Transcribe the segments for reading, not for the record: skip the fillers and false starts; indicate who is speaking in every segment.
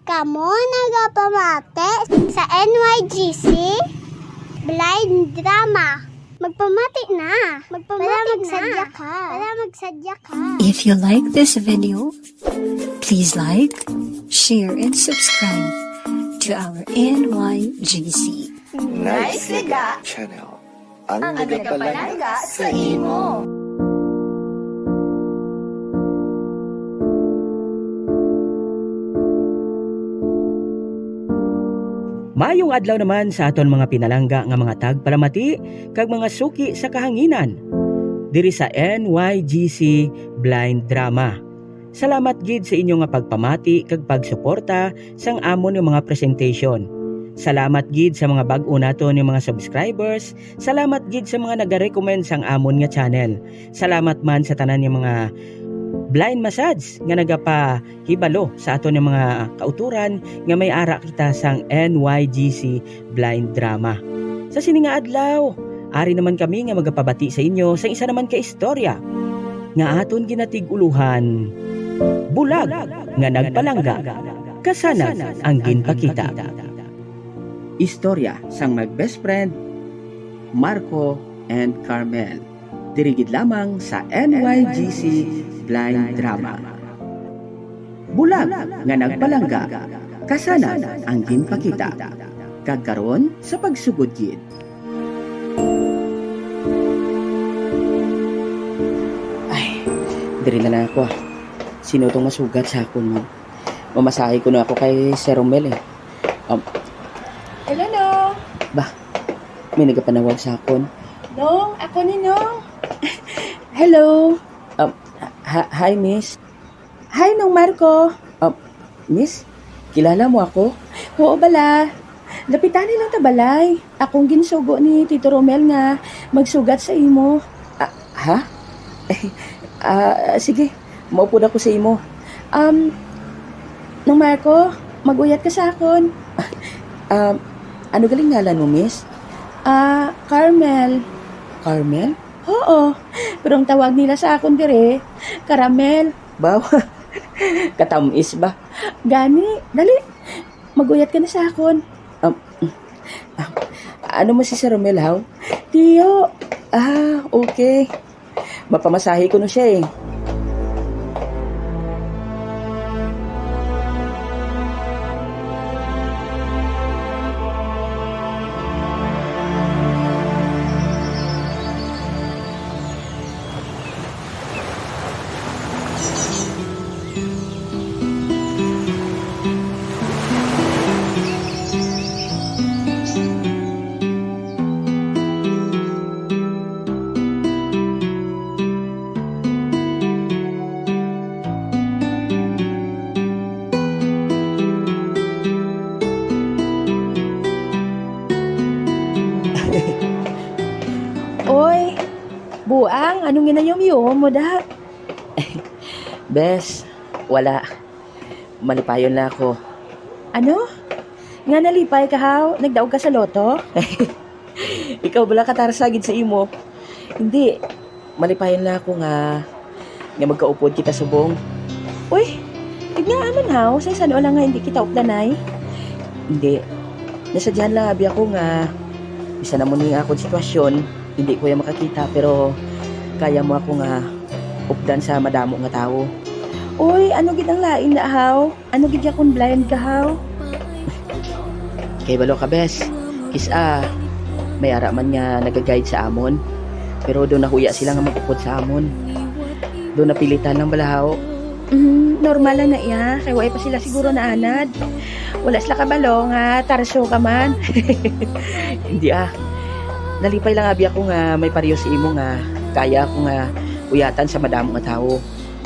Speaker 1: Kamo nagapamate sa NYGC Blind Drama. Magpamati na. Magsadya ka.
Speaker 2: If you like this video, please like, share, and subscribe to our NYGC
Speaker 3: Nice Liga
Speaker 4: Channel. Ang
Speaker 3: nagapalaga sa imo.
Speaker 5: Mayong adlaw naman sa aton mga pinalangga nga mga tagpalamati kag mga suki sa kahanginan diri sa NYGC Blind Drama. Salamat gid sa inyo nga pagpamati kag pagsuporta sang amon nga mga presentation. Salamat gid sa mga bag-o naton nga mga subscribers. Salamat gid sa mga nagarecommend sang amon nga channel. Salamat man sa tanan nga mga blind massage nga nagapahibalo sa aton nga mga kauturan nga may ara kita sang NYGC Blind Drama. Sa sini nga adlaw, ari naman kami nga magapabati sa inyo sa isa naman ka istorya nga aton ginatig-uluhan. Bulag nga nagpalangga, kasana ang ginpakita. Istorya sang mag-best friend Marco and Carmel. Dirigid lamang sa NYGC Blind Drama. Bulag nga nagpalangga, kasana ang ginpakita. Kagkaron sa pagsugod gid. Ay, diri na ako. Sino tong masugat sa akon mo? Mamasahe ko na ako kay Sir Romel eh.
Speaker 6: Hello, Nong.
Speaker 5: Bah, may nagapanawag sa akon.
Speaker 6: Nong, ako ni Nong.
Speaker 5: Hello. Hi, Miss.
Speaker 6: Hi, Nong Marco.
Speaker 5: Miss, kilala mo ako?
Speaker 6: Oo, bala. Lapitan nilang tabalay. Akong ginsugo ni Tito Romel nga magsugat sa imo.
Speaker 5: Ha? Sige, maupo na ko sa imo.
Speaker 6: Nong Marco, maguyat ka sa akon.
Speaker 5: Ano galing ngalan mo, Miss?
Speaker 6: Carmel.
Speaker 5: Carmel?
Speaker 6: Oo, pero ang tawag nila sa akon dire, Caramel.
Speaker 5: Bawa, katamis ba?
Speaker 6: Gani, dali. Maguyat ka na sa akon.
Speaker 5: Ano mo si Sir Romel, haw?
Speaker 6: Tiyo.
Speaker 5: Okay. Mapamasahe ko na siya eh.
Speaker 6: Oy, buang, anong ginayom-yom mo da?
Speaker 5: Bes, wala. Malipayon na ako.
Speaker 6: Ano? Nga nalipay ka haw? Nagdaog ka sa loto?
Speaker 5: Ikaw bala katarsagid sa imo. Hindi, malipayon na ako nga magkaupod kita subong.
Speaker 6: Uy, tignan haw, sa isan lang nga hindi kita updanay.
Speaker 5: Hindi, nasadyahan lang abi ako nga bisa na mo ni akong sitwasyon. Hindi ko yung makakita pero kaya mo ako nga updan sa madamo nga tao.
Speaker 6: Uy, ano gid ang lain na haw? Ano gid yakon blind ka haw?
Speaker 5: Kay balo ka bes, kisa may ara man nga nagaguide sa amon. Pero doon nahuya sila nga magupod sa amon. Doon napilitan lang balahaw.
Speaker 6: Normal lang na iya, kay way pa sila siguro na anad. Wala sila kabalo nga tarso ka man.
Speaker 5: Hindi nalipay lang abi ako nga may pariyo si imo nga kaya ako nga uyatan sa madamo nga tao.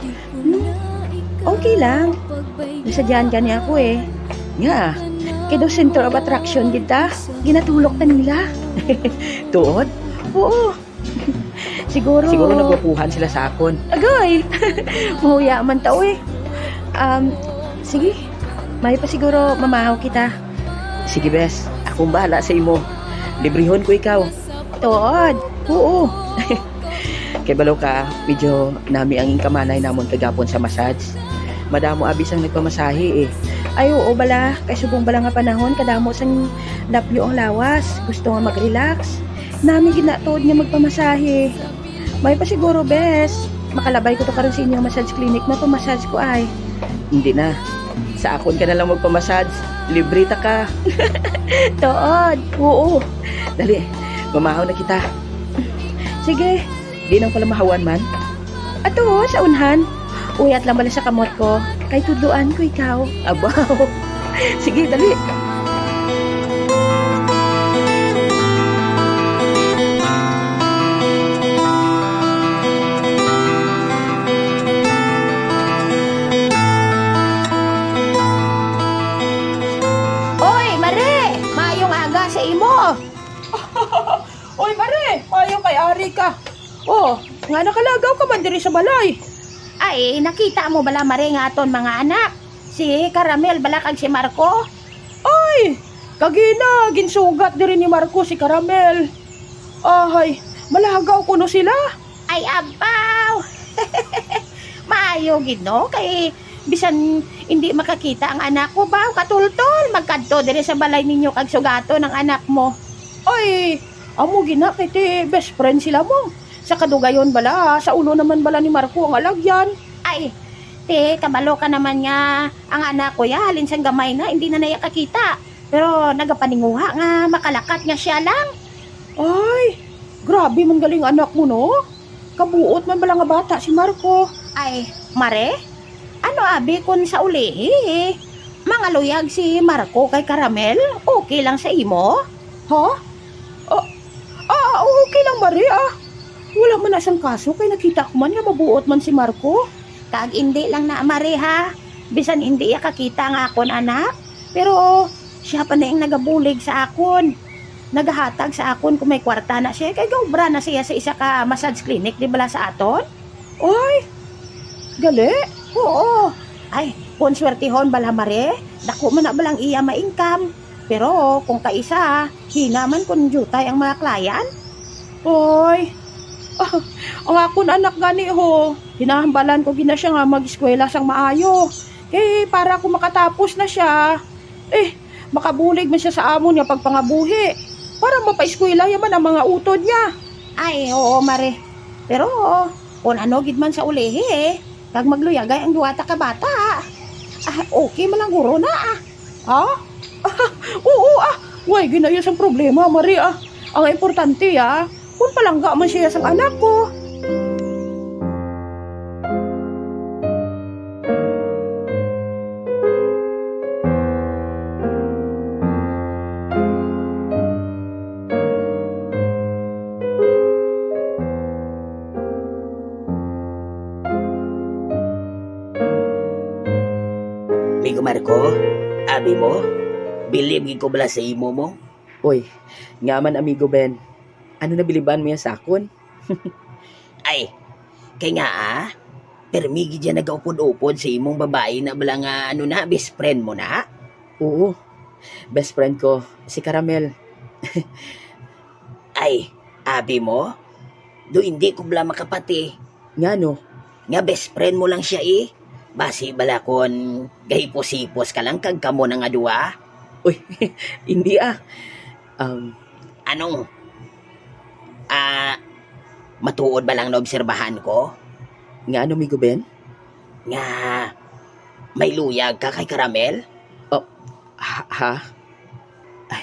Speaker 6: Okay lang. Nasadyahan ka niya ako eh.
Speaker 5: Nga,
Speaker 6: Kaya daw center of attraction kita. Ginatulok ta nila.
Speaker 5: tuod?
Speaker 6: Oo. Siguro
Speaker 5: nagwapuhan sila sa akon.
Speaker 6: Agoy! Mahuya man tao eh. Sige. May pa siguro mamahaw kita.
Speaker 5: Sige bes, akong bahala sa imo. Librehon ko ikaw.
Speaker 6: Tuod. Oo.
Speaker 5: Kay balaw ka, medyo nami ang ingkamanay namon kagapon sa massage. Madamo abis ang nagpamasahe eh.
Speaker 6: Ay, oo bala. Kay subong bala nga panahon, kadamo sang lapyo ang lawas. Gusto nga mag-relax. Nami ginatuod nga magpamasahe. May pa siguro, bes. Makalabay ko to karon sa inyong massage clinic na pamassage ko ay.
Speaker 5: Hindi na. Sa akon ka na lang magpamassage. Libre ta ka.
Speaker 6: Tood. Oo.
Speaker 5: Dali, mamahaw na kita.
Speaker 6: Sige.
Speaker 5: Di nang pala mahawan man.
Speaker 6: Ato, sa unhan. Uyat lang bala sa kamot ko. Kay tuduan ko ikaw.
Speaker 5: Abaw. Sige, dali.
Speaker 3: Oy, Mare! Mayong aga sa imo.
Speaker 6: Oy, Mare! Ayaw kay Ari ka. Oh, nga nakalagaw ka man diri sa balay.
Speaker 3: Ay, nakita mo bala, Mare, nga aton mga anak? Si Caramel bala kag si Marco?
Speaker 6: Ay, kagina, ginsugat diri ni Marco si Caramel. Ay, malagaw ko no sila.
Speaker 3: Ay, abaw! Maayo gid no? Kay bisan hindi makakita ang anak ko ba? Katultol, magkadto diri sa balay ninyo kag sugato ng anak mo.
Speaker 6: Ay, amo gina kay ti best friend sila mo. Sa kadugayon bala, sa ulo naman bala ni Marco ang alagyan.
Speaker 3: Ay, te, kabalo ka naman nga ang anak ko ya, halin sang gamay na, hindi na naya kakita. Pero nagapaninguha nga, makalakat nga siya lang.
Speaker 6: Ay, grabe man galing anak mo no. Kabuot man bala nga bata si Marco.
Speaker 3: Ay, Mare, ano abi kun sa ulihi eh? Mga luyag si Marco kay Caramel, okay lang sa imo?
Speaker 6: Ha? Okay lang Maria. Wala man na siyang kaso kay nakita ko man nga mabuot man si Marco.
Speaker 3: Kag hindi lang na Mare ha, bisan hindi ya kakita nga akon anak. Pero siya pa na yung nagabulig sa akon. Nagahatag sa akon kung may kwarta na siya. Kay gaubra na siya sa isa ka massage clinic, di bala sa aton?
Speaker 6: Ay, gali.
Speaker 3: Oo. Ay, kung swertihon bala Mare, dako man na balang iya ma-income. Pero kung kaisa, hina man kung jutay ang mga klient.
Speaker 6: Ay, ang akon anak gani ho. Hinahambalan ko gina siya nga mag-eskwela sang maayo. Kay para kung makatapos na siya, makabulig man siya sa amo niya pagpangabuhi. Para mapa-eskwela yaman ang mga utod niya.
Speaker 3: Ay, oo Mare. Pero kung ano gid man sa ulihi kag magluyagay ang duwata ka bata. Okay man lang guro na
Speaker 6: Ha? Oo Way, ginayos ang problema, Maria. Ang importante kung palangga man siya sa anak ko.
Speaker 4: Migo Marco, abi mo, bilib ko bala sa imo mo.
Speaker 5: Oy, nga man amigo Ben. Ano na biliban mo yan sa akon?
Speaker 4: Ay, kay nga permigi dyan nagaupod-upod sa imong babae na bala nga best friend mo na.
Speaker 5: Oo, best friend ko, si Caramel.
Speaker 4: Ay, abi mo, do hindi ko bala makapati.
Speaker 5: Nga no?
Speaker 4: Nga best friend mo lang siya Basi bala kon gahipos-hipos ka lang kag kamo na nga duwa.
Speaker 5: Uy, hindi
Speaker 4: Anong? Matuod ba lang na obserbahan ko?
Speaker 5: Nga ano, amigo Ben?
Speaker 4: Nga, may luyag ka kay Caramel?
Speaker 5: Ha? Ay,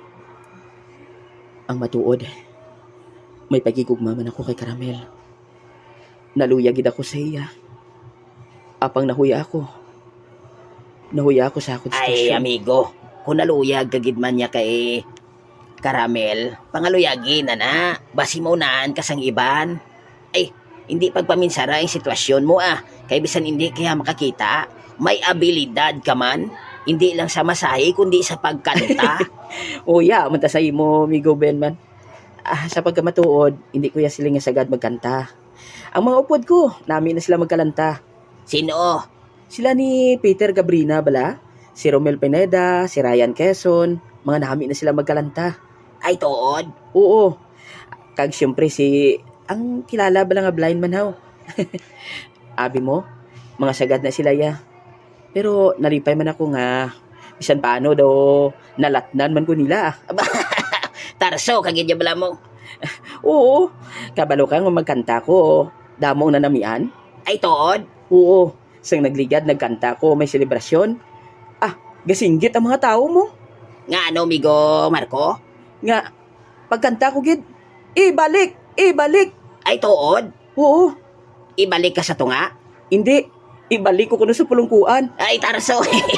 Speaker 5: ang matuod. May pagigugma man ako kay Caramel. Naluyagid ako sa iya. Apang nahuya ako. Nahuya ako sa akong
Speaker 4: Ay,
Speaker 5: sitwasyon.
Speaker 4: amigo, kung naluyag kagid man niya kay Caramel, pangaluyagin na. Basi maunaan kasang iban. Ay, hindi pagpaminsara ang sitwasyon mo Kay bisan hindi kaya makakita, may abilidad ka man. Hindi lang sa masahe, kundi sa pagkanta.
Speaker 5: Uya, manta sa imo, amigo Ben man. Sa pagkamatuod, hindi ko ya sila nga sagad magkanta. Ang mga upod ko, namin na sila magkalanta.
Speaker 4: Sino?
Speaker 5: Sila ni Peter Gabrina bala, si Romel Pineda, si Ryan Quezon, mga namin na sila magkalanta.
Speaker 4: Ay, tuod?
Speaker 5: Oo. Kag siyempre ang kilala bala nga blind man haw. Abi mo, mga sagad na sila ya. Pero nalipay man ako nga, bisan paano daw nalatnan man ko nila.
Speaker 4: Tarso, kagid ya bala mo.
Speaker 5: Oo, kabalo ka nga magkanta ko, damong nanamian.
Speaker 4: Ay, tuod.
Speaker 5: Oo, sang nagligad, nagkanta ko, may selebrasyon. Gasinggit ang mga tao mo.
Speaker 4: Nga ano, Migo Marco?
Speaker 5: Nga, pagkanta ko gid, ibalik!
Speaker 4: Ay, tuod.
Speaker 5: Oo,
Speaker 4: Ibalik ka sa tunga.
Speaker 5: hindi, ibalik ko kuno sa pulungkuan.
Speaker 4: Ay, Tarso.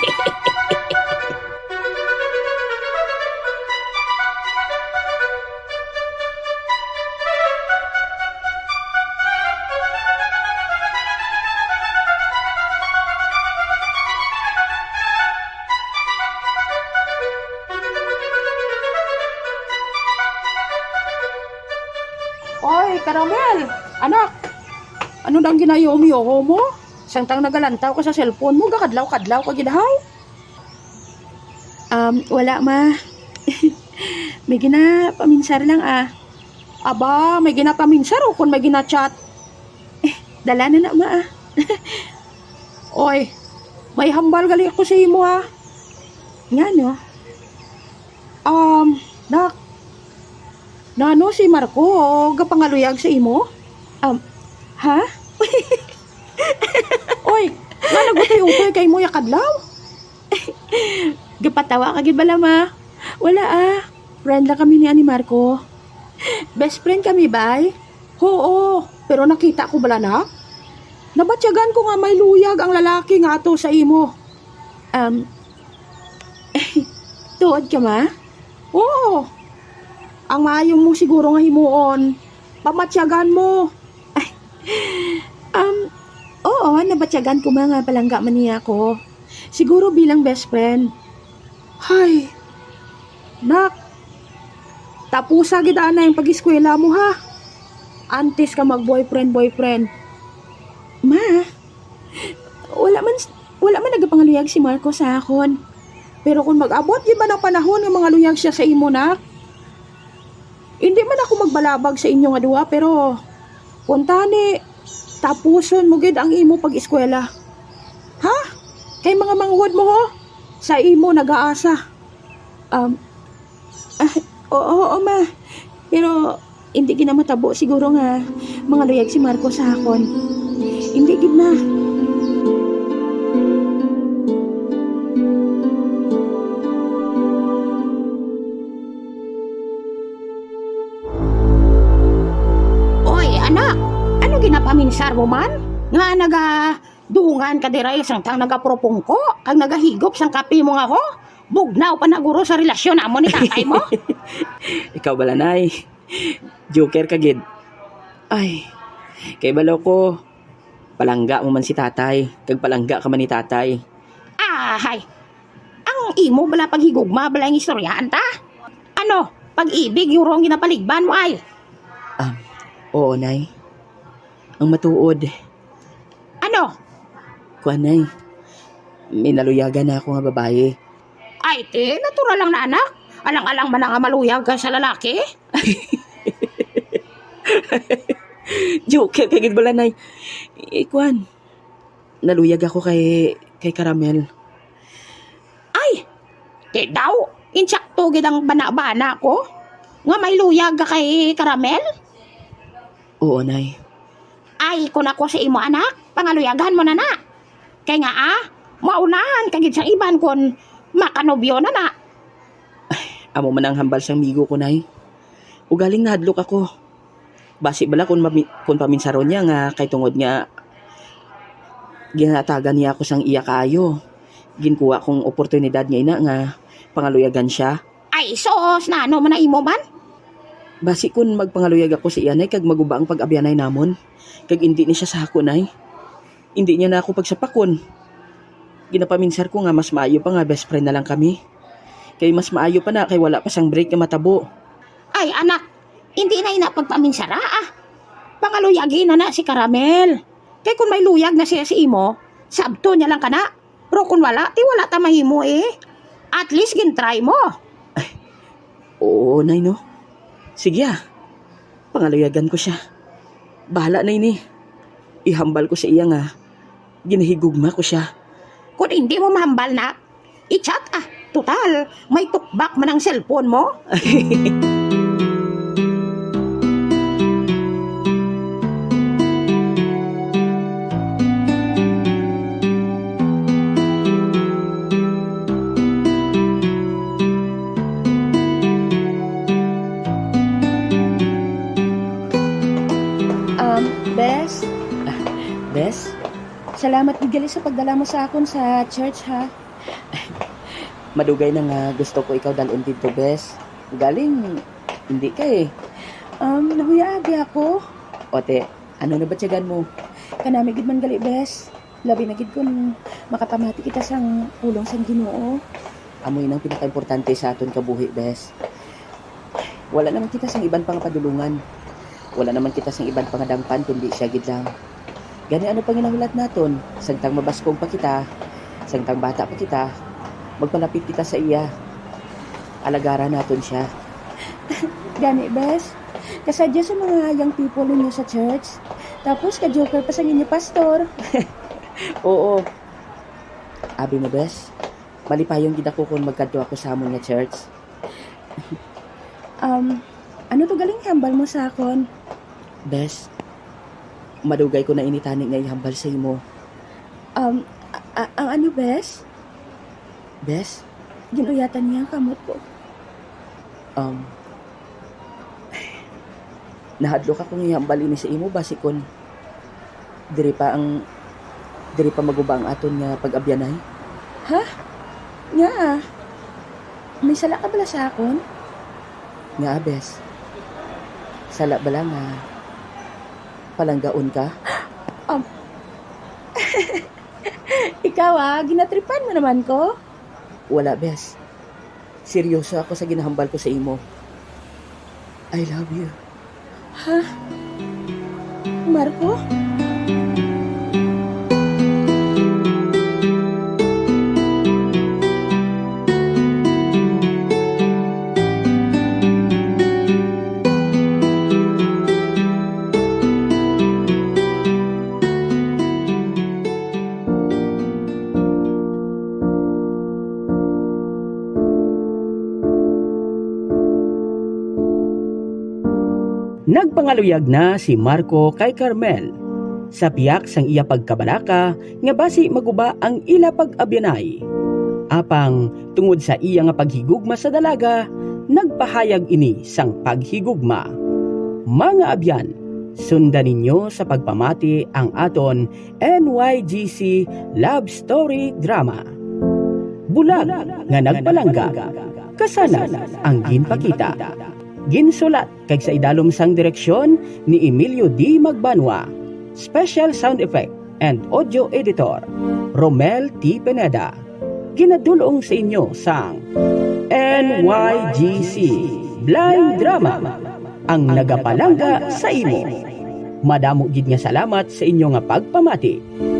Speaker 6: Oy, Caramel! Anak! Ano nang ginayom-yom mo? Sangtang nagalantaw ka sa cellphone mo, gakadlaw-kadlaw ka gidahaw?
Speaker 3: Wala ma. May ginapaminsar lang
Speaker 6: Aba, may ginapaminsar o kung may ginachat?
Speaker 3: Dala na ma
Speaker 6: Oy, may hambal gali ako sa imo ha.
Speaker 3: Nga no?
Speaker 6: Nak, nano si Marco o gapangaluyag sa imo?
Speaker 3: Ha?
Speaker 6: Oy, nga nagutay-utay kay mo yakadlaw?
Speaker 3: Gapatawa ka gid bala ma. Wala Friend lang kami ni Marco. Best friend kami bay.
Speaker 6: Oo, pero nakita ko bala na? Nabatyagan ko nga may luyag ang lalaki nga ato sa imo.
Speaker 3: Tuod ka ma?
Speaker 6: Oo, ang maayong mo siguro nga himuon. Pamatyagan mo.
Speaker 3: Oo, nabatyagan ko mga palangga man niya ako. Siguro bilang best friend.
Speaker 6: Hay, nak, tapusa gid na yung pag-eskwela mo ha. Antes ka mag-boyfriend.
Speaker 3: Ma, wala man nagapangaluyag si Marco sa akon.
Speaker 6: Pero kung mag-abot di ba ng panahon ng mga luyag siya sa imo nak? Hindi man ako magbalabag sa inyo nga duha pero kuntani tapuson mo gid ang imo pag-eskwela. Ha? Kay mga manghud mo ho sa imo nag-aasa.
Speaker 3: Oo ma. Pero hindi ginamatabo siguro nga mga luyag si Marco sa akon. Hindi gid na.
Speaker 6: Oy, anak, ano ginapaminsar mo man? Nga dungan ka diray sang nagapropongko, kag nagahigop sang kape mo nga ho? Bugnaw pa naguro sa relasyon amo ni tatay mo?
Speaker 5: Ikaw bala nay, joker ka gid. Ay, kay balaw ko, palangga mo man si tatay, kag palangga ka man ni tatay.
Speaker 6: Hay. Ang imo bala paghigugma bala yung istoryahan ta? Ano, pag-ibig yung rong ginapaligban mo ay?
Speaker 5: Oo nay, ang matuod,
Speaker 6: Ano?
Speaker 5: kuan nay, may naluyagan na ako nga babae.
Speaker 6: Ay, natural lang na anak. Alang-alang man nga maluyag ka sa lalaki.
Speaker 5: Joker ka gid bala nay. Kuan, naluyag ako kay Caramel.
Speaker 6: Ay, daw, insakto gid ang bana-bana ko. Nga may luyag ka kay Caramel?
Speaker 5: Oo nay.
Speaker 6: Ay, kung ako sa imo anak, pangaluyagan mo na na. Kaya nga maunahan kagid sa iban kung makanobyo na na.
Speaker 5: Amo man ang hambal sang migo ko nay. Ugaling nahadlok ako. Basi bala kung paminsaron niya nga kay tungod nga ginatagan niya ako sang iya kayo. Ginkuha kong oportunidad niya ina nga pangaluyagan siya.
Speaker 6: Ay, sos na ano man na imo man?
Speaker 5: Basi kun magpangaluyag ako sa iyanay kag maguba ang pag-abyanay namon. Kag hindi ni siya sa ako nay. Hindi niya na ako pagsapakon. Ginapaminsar ko nga mas maayo pa nga best friend na lang kami. Kay mas maayo pa na kay wala pa sang break nga matabo.
Speaker 6: Ay, anak, hindi na pagpaminsara Pangaluyagin na si Caramel. Kay kung may luyag na siya si imo, sabto niya lang ka na. Pero kung wala, wala ta mahimo At least gintry mo.
Speaker 5: Oo, nay no. Sige pangaluyagan ko siya. Bahala na ini. Ihambal ko sa iya nga. Ginahigugma ko siya.
Speaker 3: Kung hindi mo mahambal na, i-chat Total, may tukbak man ang cellphone mo.
Speaker 6: Bes?
Speaker 5: Bes,
Speaker 6: Salamat gigali sa pagdala mo sa akon sa church, ha?
Speaker 5: madugay na nga gusto ko ikaw dalon dito, Bes. Galing, hindi ka eh.
Speaker 6: Nahuyaagi ako.
Speaker 5: Ote, ano na ba tiyagan mo?
Speaker 6: Kanami gid man gali, Bes. Labi na gid kung makapamati kita sang pulong sang Ginoo.
Speaker 5: Amoy nang pinaka-importante sa aton kabuhi, Bes. Wala naman kita sang iban pang padulungan. Wala naman kita sang iban pangadangpan kundi siya gid lang. Gani ano pang ginahulat naton? Sangtang mabaskong pa kita, sangtang bata pa kita, magpalapit kita sa iya. Alagara naton siya.
Speaker 6: Gani, Bes. Kasadya sa mga young people ninyo sa church. Tapos ka-joker pa sa inyo, pastor.
Speaker 5: Oo. Abi mo, Bes. Malipayong gid ako kung magkadto ako sa amon nga church.
Speaker 6: Ano to galing hambal mo sa akon?
Speaker 5: Bes, madugay ko na initani nga ihambal sa imo.
Speaker 6: Ang ano, Bes?
Speaker 5: Bes,
Speaker 6: Ginuyatan niya ang kamot ko.
Speaker 5: nahadlok akong ihambal ini sa imo basikon. Diri pa maguba ang aton nga pag-abyanay.
Speaker 6: Nga, may sala ka bala sa akon?
Speaker 5: Nga, Bes. Sala bala nga palanggaon ka?
Speaker 6: Ikaw ginatripan mo naman ko.
Speaker 5: Wala, Bes. Seryoso ako sa ginahambal ko sa imo. I love you.
Speaker 6: Marco?
Speaker 5: Nagpangaluyag na si Marco kay Carmel. Sa piyak sang iya pagkabalaka nga basi maguba ang ila pag-abyanay. Apang tungod sa iya nga paghigugma sa dalaga, nagpahayag ini sang paghigugma. Mga abyan, sundan ninyo sa pagpamati ang aton NYGC Love Story Drama. Bulag nga nagpalangga, kasanan ang ginpakita. Ginsulat kay sa idalom sang direksyon ni Emilio D. Magbanwa. Special sound effect and audio editor Romel T. Pineda. Ginadulong sa inyo sang NYGC Blind Drama, ang nagapalangga sa imo. Madamo gid nga salamat sa inyo nga pagpamati.